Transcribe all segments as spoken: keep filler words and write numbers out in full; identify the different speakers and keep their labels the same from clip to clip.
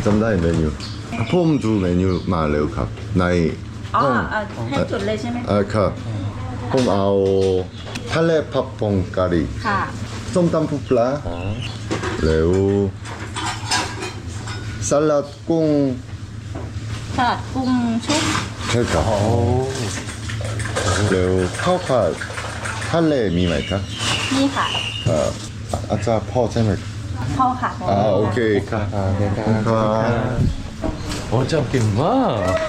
Speaker 1: จำได้เมนูผมดูเมนูมาเร็วครับใน
Speaker 2: อ๋อ
Speaker 1: ห้อง
Speaker 2: เอ่อให้จุดเลยใช่ไหม
Speaker 1: เออครับผมเอาทะเลผักผงกะหรี่
Speaker 2: ค่ะ
Speaker 1: ส้มตำปูปลาแล้วสลัดกุ้ง
Speaker 2: สลัดกุ้งชุบ
Speaker 1: ใช่ครับแล้วข้าวผัดทะเลมีไหมครับ
Speaker 2: นี่ค่ะ
Speaker 1: เอ่ออาจารย์พ่อใช่ไหม
Speaker 2: พ่อค่ะ
Speaker 1: อ่าโอเคครับครับ
Speaker 3: โอ้เจ้าเก่งมาก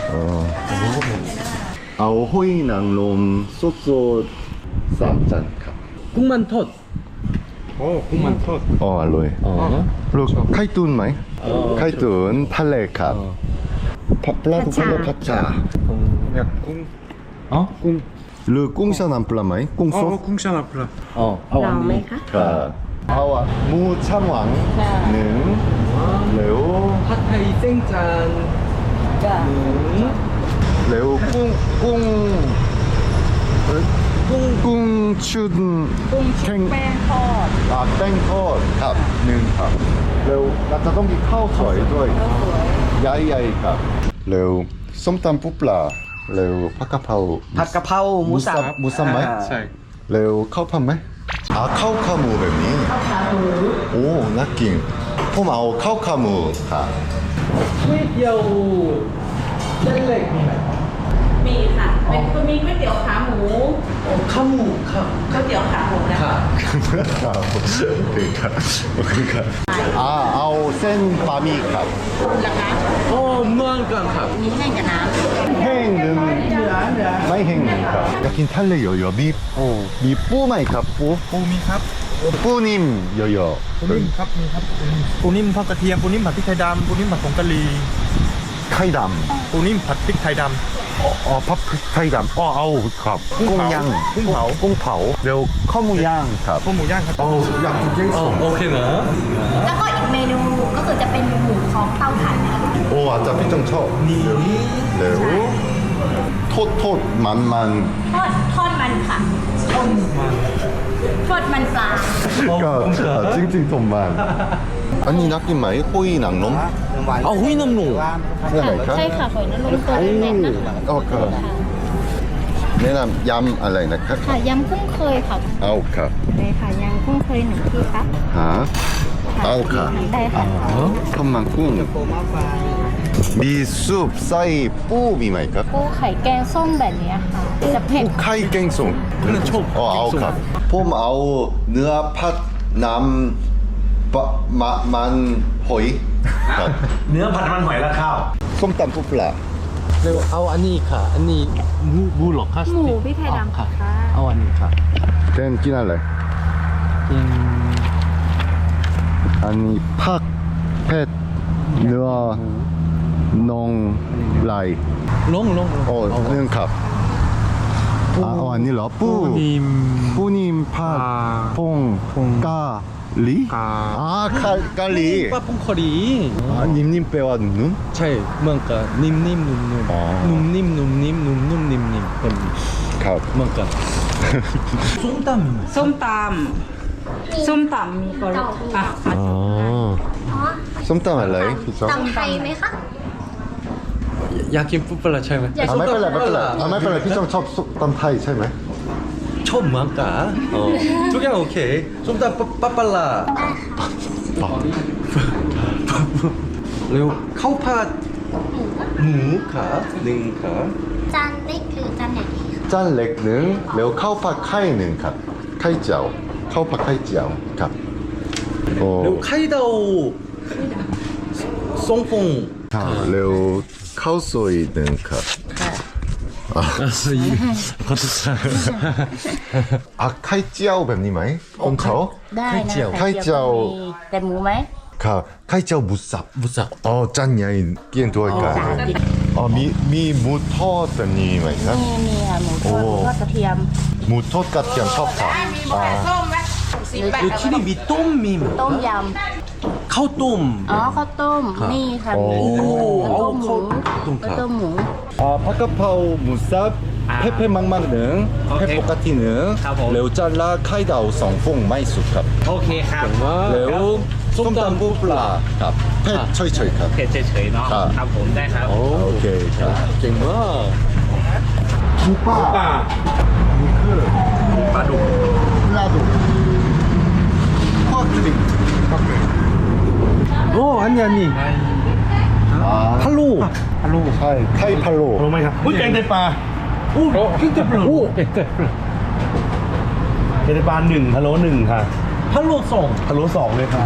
Speaker 1: เอาหอยนางรมสดๆสามจานครับ
Speaker 3: กุ้งมันทอด
Speaker 4: โอ้กุ้งมันทอด
Speaker 1: อ๋ออร่อย
Speaker 3: อ๋อ
Speaker 1: ลูกไข่ตุ๋นไหมไข่ตุ๋นทะเลครับผัดปลาทุกคนผัดชา
Speaker 4: อยากกุ้ง
Speaker 3: อ๋อ
Speaker 4: กุ้ง
Speaker 1: หรือกุ้งชาน้ำปลาไหมกุ้ง
Speaker 4: อ๋อ
Speaker 1: สด
Speaker 4: กุ้งชาลาปลา
Speaker 3: อ๋อเอา
Speaker 2: ล
Speaker 3: อั
Speaker 2: อน งไหม
Speaker 3: นี้
Speaker 2: คะ
Speaker 1: ครับเอาอะหมูช่างหวังหนึ่งแล้ว
Speaker 3: ผัดไทยเส้นจาน
Speaker 2: จ้ะ
Speaker 3: หนึ่ง
Speaker 1: แล้วกุ้งกุ้งเอ้ยกุ้งกุ้งชุด
Speaker 2: กุ้งชุ
Speaker 1: แข็
Speaker 2: บ
Speaker 1: ง
Speaker 2: แป้งทอด
Speaker 1: อ่าแป้งทอดครับหนึ่งครับแล้วเราจะต้องกินข้าวสวยด้วย
Speaker 2: ข้าวสวย
Speaker 1: ใหญ่ๆครับแล้วส้มตำปูปลาแล้วผักกะเพรา
Speaker 5: ผัดกะเพราหมูสับ
Speaker 1: หมูสับไหม
Speaker 4: ใช่
Speaker 1: แล้วข้าวผัดไหมอ่าข้าวขาหมูแบบนี้โอ้น่ากินผมเอาข้าวขาหมูครับ
Speaker 3: ก๋วยเตี๋ยวเส้นเล็กมีไหม
Speaker 2: มีค่ะ เป็นคือมีก๋วยเตี๋ยวขาหมู
Speaker 3: ข้าวหมูครับ
Speaker 2: ก๋วยเตี๋ยวขาหมูนะ
Speaker 3: ค่ะ
Speaker 1: ครับโอเคครับโอเคครับอ่าเอาเส้นบะหมี่ครับ
Speaker 2: ราคา
Speaker 3: โอ้เหมือนกันครับ
Speaker 2: มีแห้งกับน้
Speaker 1: แห้งหนึ่งไม่แห้งหนึ่งครับอยากกินทะเลเยอะๆมีโอ้มีปูไหมครับปู
Speaker 4: ปูมีครับ
Speaker 1: ปูนิ่มเยอะ
Speaker 4: ปูนิ่มครับมีครับปูนิ่มปูนิ่มทอดกระเทียมปูนิ่มผัดพริกไทยดำปูนิ่มผัดผงกะหรี่
Speaker 1: ๆไข่ด
Speaker 4: ปูนิ่มผัดพริกไทยด
Speaker 1: ำอ๋อพับไข่ดำอ๋อเอาครับ
Speaker 4: กุ้งเผา
Speaker 1: ย่าง
Speaker 4: กุ้งเผา
Speaker 1: กุ้งเผาเดี๋ยวข้าวหมูย่างครับ
Speaker 4: ำข้าวหมูย่างครับ
Speaker 1: โอ้อยากกินเจ๊
Speaker 3: อ๋อ
Speaker 1: สม
Speaker 3: โอเคนะ
Speaker 2: ำแล้วก็อีกเมนูก็คือจะเป็นหมูของเตาถ่านนะคะ
Speaker 1: โอ้อาจจะพี่จงชอบนี่เดี๋ยวโทษโทษมันมัน
Speaker 2: ทอดทอดมันค่ะ ทอดมันทอดมันปลา
Speaker 1: ก็จริงๆผมมันอันนี้นักกินไหมหุยหนังนม
Speaker 3: เอาหุ้ยน้ำหนู
Speaker 1: ใช่ไหมครับ
Speaker 2: ใช่ค่ะหอยนางรมตัวเล็กๆนะคะ
Speaker 1: อ๋อครับแนะนำยำอะไรนะครับ
Speaker 2: ค่ะยำกุ้งเคยค่ะ
Speaker 1: เอาครับ
Speaker 2: ได้ค่ะยำกุ้งเคยหนึ่งที่ครับ
Speaker 1: หาเอาค่ะ
Speaker 2: ได้ค่ะ
Speaker 1: ข้าวมันกุ้งมีซุปไส้ปูมีไหมครับ
Speaker 2: ปูไข่แกงส้มแบบนี้ค่ะ จะเผ็ด
Speaker 1: ไข่แกงส้ม
Speaker 3: นั่นชอบ
Speaker 1: อ๋อเอาครับผมเอาเนื้อผัดน้ำปะมะมันหอยครับ
Speaker 6: เนื้อผัดมันหอยและข้าว
Speaker 1: ส้มตำปูปลา
Speaker 3: เร็วเอาอันนี้ค่ะ อันนี้หมูหมูหรอคะ
Speaker 2: หมูพริกไทยดำ
Speaker 3: ค่ะ
Speaker 2: ค่ะ
Speaker 3: เอาอันนี้ค่ะ
Speaker 1: เต้นกินอะไร
Speaker 3: กิน
Speaker 1: อันนี้ผักเผ็ดเนื้อนองไหล
Speaker 3: ลงลงลง
Speaker 1: โอ้
Speaker 3: เอา
Speaker 1: เรื่องครับอ่าเอาอันนี้เหรอปู
Speaker 4: ปูนิ่ม
Speaker 1: ปูนิ่มผัด
Speaker 4: อ่า
Speaker 1: พง
Speaker 4: พง
Speaker 1: กาหลี
Speaker 4: กา
Speaker 1: อ่ากะกะหลี
Speaker 3: ป้าพงคอดี
Speaker 1: อ่านิ่มๆแปลว่านุ่ม
Speaker 3: ใช่เหมือนกันนิ่มนิ่มนุ่มนุ่ม
Speaker 1: อ๋อ
Speaker 3: นุ่มนิ่มนุ่มนิ่มนุ่มนุ่มนิ่มนิ่มเป็น
Speaker 1: ครับ
Speaker 3: เหมือนกันส้มตำมีไหม
Speaker 2: ส้มตำส้มตำมีก็อ่ะมา
Speaker 3: อ๋อ
Speaker 1: ส้มตำอะไรพี่จ๊อบ
Speaker 2: ตำไทยไหมคะ
Speaker 3: อยากกินปุ๊บปลาใช่ไหม
Speaker 1: อ่าไม่เป็นไรไม่เป็นไรอ่าไม่เป็นไรพี่จ๊อบชอบส้มตำไทยใช่ไหม
Speaker 3: ชอบเหมือนกันอ๋อทุกอย่างโอเคส้มตำปั๊บปลาเร็วข้าวผัดหมูขาหนึ่งขา
Speaker 2: จานเล็กหรือจานใหญ่ดีคะ
Speaker 1: จานเล็กหนึ่งแล้วข้าวผัดไข่หนึ่งครับไข่เจียวข้าวผัดไข่เจียวครับโอ้
Speaker 3: เร็วไข่ดาวทรงฟง
Speaker 1: ครับแล้วข้าวซอยหนึ่งครับ
Speaker 3: ขอโทษ
Speaker 1: อ่ะไข่เจียวแบบนี้ไหมของเขา
Speaker 2: ได้นะ
Speaker 1: ไข่เจียว
Speaker 2: มีแต่หมูไหม
Speaker 1: ครับไข่เจียวหมูสับ
Speaker 3: บุษบ
Speaker 1: อ๋อจานใหญ่เกี่ยงด้วยกัน
Speaker 2: จานเดียว
Speaker 1: อ๋อมีมีหมูทอดแบบนี้ไหมครับ
Speaker 2: มีมีค่ะหมูทอด
Speaker 1: โอ้
Speaker 2: หมูทอดกระเทียม
Speaker 1: หมูทอดกระเทียมชอบครับอ่า
Speaker 2: หรือ
Speaker 3: เดี๋ยวที่นี่มีต้มมีไหม
Speaker 2: ต้มย
Speaker 3: ข้าวต้ม
Speaker 2: ำอ๋อข้าวต้ม
Speaker 3: ครับ
Speaker 2: นี่ค่ะ
Speaker 1: โอ้
Speaker 2: มีข้าวต้มหมู
Speaker 3: ข้าวต้มครับ
Speaker 2: ข้าวต้มหมู
Speaker 1: อ่าผักกะเพราหมูสับเผ็ดเผ็ดมากๆหนึ่งเผ็ดปกติหนึ่ง
Speaker 6: ครับผม
Speaker 1: แล้วจานละไข่ดาวสองฟองไม่สุกครับ
Speaker 6: โอเคครับ
Speaker 1: แล้วส้มตำปูปลาครับเผ็ดเฉยๆครับ
Speaker 5: เผ็ดเฉยๆเนาะ
Speaker 1: ครับ
Speaker 5: ครับผมได้ครับ
Speaker 1: โอเคครับเก่งมากปูปลา
Speaker 6: ป่า
Speaker 1: นี่คือ
Speaker 6: ปลาดุก
Speaker 1: ปลาดุกทอดกลิ่น
Speaker 3: 어 아니 아니
Speaker 1: อ่า
Speaker 3: 팔로
Speaker 1: ใช่ไข่พะโล้
Speaker 6: รู้ไหมครับอุ้ยแกงไตปลา
Speaker 3: 오 킹테 플로 오
Speaker 6: แกงไตปลาหนึ่งพะโล้หนึ่งค่ะ
Speaker 3: 팔로 송
Speaker 6: พะโล้สองเลยค่ะ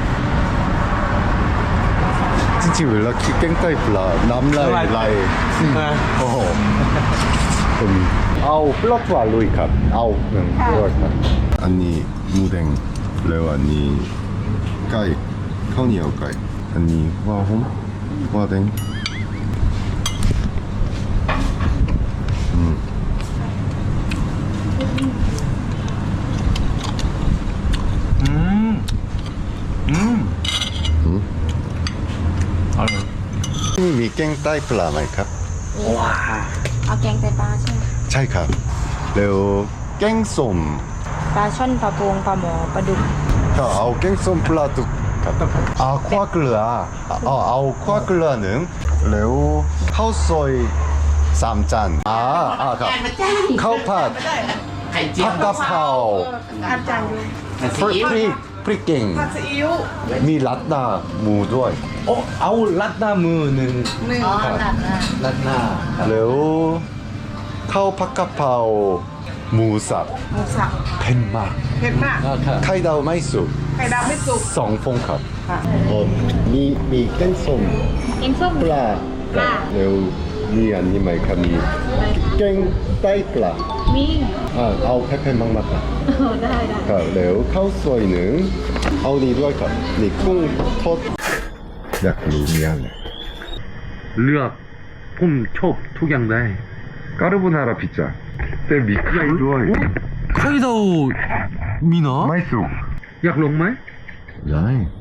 Speaker 1: จริงๆเวลาคิดแกงไตปลาน้ำลายไหลโอ้โหผมเอาปลาปลาลุยครับเอาหนึ่งด้วยครับอันนี้หมูแดงแล้วอันนี้ไก่ข้าวเหนียวไก่อันนี้หัวหอมหัวแดง
Speaker 4: 음. 음. 아,
Speaker 1: นี่มีแกงไตปลาไหมครับ
Speaker 2: เอาแกงไตปลาใช่ไหม
Speaker 1: ใช่ครับแล้วแกงส้ม
Speaker 2: ปลาช่อนปลาโปงปลาหมอปลาดุก
Speaker 1: ก็เอาแกงส้มปลาดุกครับเอาข้าวเกลือเอาเอาข้าวเกลือหนึ่งแล้วข้าวซอยสามจานอ่าอ่าครับข้าวผัดผัดกะเพราพริกพริกพริกเก่งมีรัดหน้าหมูด้วย
Speaker 3: 어 아우 랏나 무는
Speaker 1: ครับรัดหน้าแล้วข้าวผัดกะเพราหมูสับ
Speaker 7: หมูสับ
Speaker 1: เผ็ดมาก
Speaker 7: เผ็ดมาก
Speaker 1: ไข่ดาวไม่สุก
Speaker 7: ไข่ดาวไม่สุก
Speaker 1: สองฟองครับอ๋อมีมีแกงส้ม
Speaker 2: แกงส้ม
Speaker 1: ปลา
Speaker 2: ปลา
Speaker 1: แล้วมีอันนี้ไหมครับมีแกงไตปลา
Speaker 2: มี
Speaker 1: อ่าเอาแค่ๆมากๆครับ
Speaker 2: ได้ได้
Speaker 1: ครับแล้วข้าวซอยหนึ่งเอาดีด้วยครับนี่กุ้งทอดอยากรู้มีอะไร
Speaker 6: เลือกผมชอบทุกอย่างได้
Speaker 1: 까르보나라 피자แต่มีไข่ด้วย
Speaker 3: 카이다오 미나
Speaker 1: ไม่สุก
Speaker 6: อยากลงไหม
Speaker 1: ได้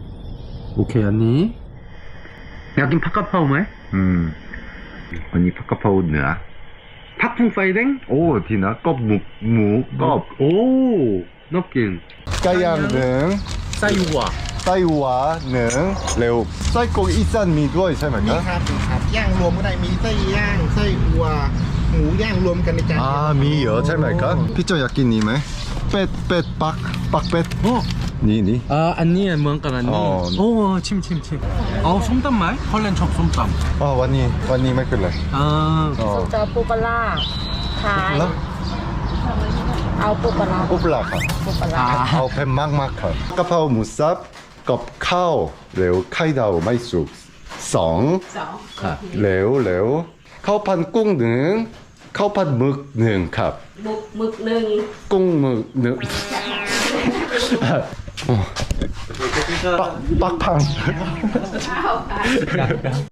Speaker 3: 오케이 언니
Speaker 6: อยากกินผักกะเพราไหม
Speaker 1: อืมอันนี้ผักกะเพราเหนือ
Speaker 6: ผักพุงไฟแดง
Speaker 1: โอ้ทีนะกบหมูหมูกบ
Speaker 6: โอ้นกกิน
Speaker 1: ไก่ย่างหนึ่ง
Speaker 3: 싸이우와
Speaker 1: ไส้หวาหนึ่งเร็วไส้กรอกอีสานมีด้วยใช่ไหม
Speaker 7: มี
Speaker 1: ครับ
Speaker 7: ครับมีครับย่างรวมก็ได้มีไส้ย่างไส้อัวหมูย่างรวมกันในจาน
Speaker 1: อ่า
Speaker 7: เดียว
Speaker 1: มีเหรอใช่ไหมครับพี่โจอยากกินนี้ไหมเป็ดเป็ดปักปักเป็ด
Speaker 3: 어
Speaker 1: นี่นี่
Speaker 3: 아 언니 뭔가 언니
Speaker 1: 어.
Speaker 3: 오침침침 아우 솜땀말 헐렌 척 솜땀
Speaker 1: อ๋อวันนี้วันนี้ไม่เป็นไร
Speaker 3: 아
Speaker 1: อ๋อ
Speaker 2: จะปูปลาร้าขาย
Speaker 1: แล้ว
Speaker 2: เอาปูปลาร้า
Speaker 1: ปุ๊บละครับ
Speaker 2: ปูปลาร้า
Speaker 1: เอาเผ็ดมากมากๆครับกะเพราหมูสับกับข้าวเร็วไข่ดาวไม่สุกสอง
Speaker 2: สอง
Speaker 1: เร็วเร็วข้าวผัดกุ้งหนึ่งข้าวผัดหมึกหนึ่งครับ
Speaker 2: หมึกหมึกหนึ่ง
Speaker 1: กุ้งหมึกหนึ่งปักปักพัง